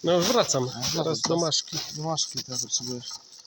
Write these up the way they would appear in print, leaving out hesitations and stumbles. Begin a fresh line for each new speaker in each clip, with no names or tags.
No już wracam. Teraz do Maszki.
Do Maszki teraz potrzebujesz.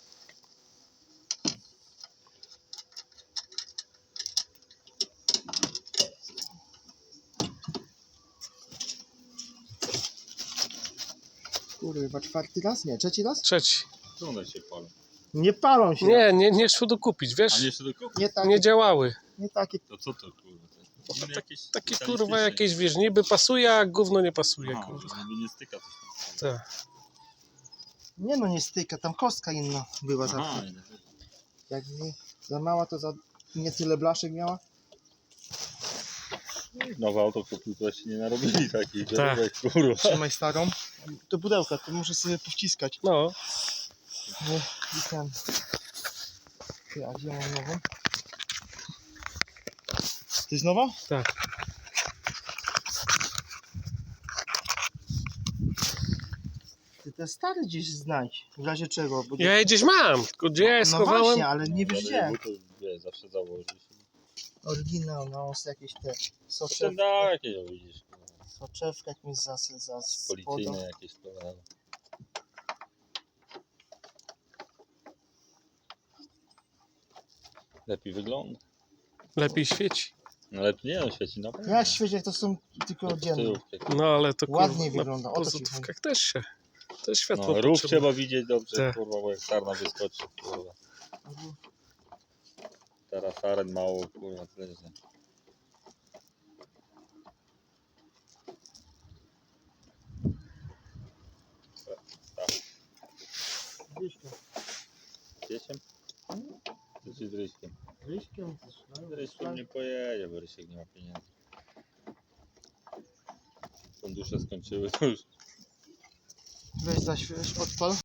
Kurwa, czwarty raz? Nie, trzeci raz?
Trzeci.
Co one się palą?
Nie palą się.
Nie szło dokupić,
A
wiesz?
nie jeszcze do kupić?
Nie takie.
Nie działały.
Nie takie.
To co to kurwa? To inne jakieś
Takie
specjalistyczne.
kurwa jakieś, wiesz, niby pasuje, a gówno nie pasuje,
Aha,
kurwa.
żeby nie styka coś tam.
Tak.
Nie no, nie styka, tam kostka inna była
Aha,
zawsze. Jak nie, za mała, to za nie tyle blaszek miała.
nowe auto kupił, to się nie narobili takich
Tak.
żarówek, kurwa.
Trzymaj starą. To pudełka, to muszę sobie powciskać.
No,
Bo i ten. Ty, a gdzie mam nową? To jest nowa?
tak.
Ty te stare gdzieś znajdź. W razie czego? Bo
Ja je gdzieś mam, tylko gdzie ja je
no
schowałem?
właśnie, ale nie wiesz gdzie.
To wie, zawsze założysz.
Oryginał, no jakieś te
Potem
soczewki.
da jakieś widzisz. Kurwa.
Soczewka jakimś za spodą.
Policyjne jakieś kurwa. Lepiej wygląda.
Lepiej świeci.
No lepiej nie, no świeci na pewno.
Ja świecie, jak to są tylko dzienne.
Tyłówkę.
No ale to
Ładnie
kurwa,
wygląda, o
na
to ci
pozutówkach też się. Też światło
No, rów
potrzebne.
trzeba widzieć dobrze,
Tak.
kurwa, bo jak sarna wyskoczy, kurwa. Teraz saren mało, kurwa, tyle że. Piesiem? Czy z Ryśkiem?
Ryśkiem?
Z Ryśkiem nie pojedzie, bo Rysiek nie ma pieniędzy. Fundusze skończyły, to już
Weź zaświeć, odpal.